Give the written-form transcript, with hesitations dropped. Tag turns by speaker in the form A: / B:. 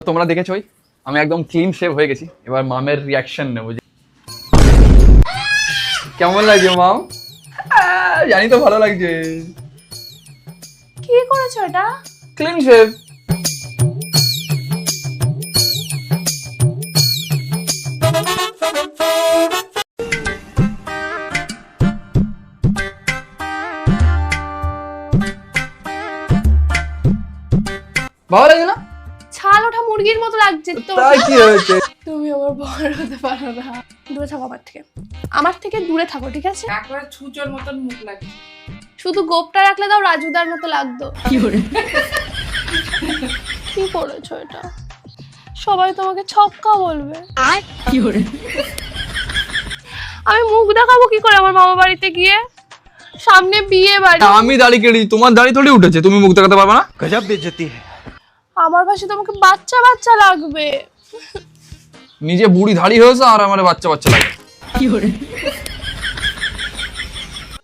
A: তোমরা দেখেছোই আমি একদম ক্লিন শেভ হয়ে গেছি। এবার মামের রিয়াকশন নেবো। কেমন লাগছে মাম? জানি তো ভালো লাগছে।
B: কি করেছো এটা?
A: Clean shave. ভালো লাগে না?
B: ছাল ওঠা মুরগির মতো লাগছে তো।
A: তাই কি হয়েছে?
B: তুমি আমার বড় হতে পারো না। দূরে থাকো আমার থেকে দূরে থাকো, ঠিক আছে?
C: একবারে ছুঁচোর মতন মুখ লাগছে।
B: শুধু গোপটা রাখলে দাও রাজুদার মতো লাগতো। কি করেছো এটা? সবাই তোমাকে ছক্কা বলবে। আমি মুখ দেখাবো কি করে আমার মামা বাড়িতে গিয়ে? সামনে বিয়ে বাড়ি।
A: আমি দাড়ি কেটে তোমার দাড়ি থোড়ি উঠেছে, তুমি মুখ দেখাতে পারবে না?
D: गजब बेइज्जती है।
B: আমার পাশে তোমাকে বাচ্চা বাচ্চা লাগবে।
A: নিজে বুড়ি ধাড়ি হয়েছে আর আমার বাচ্চা বাচ্চা লাগে।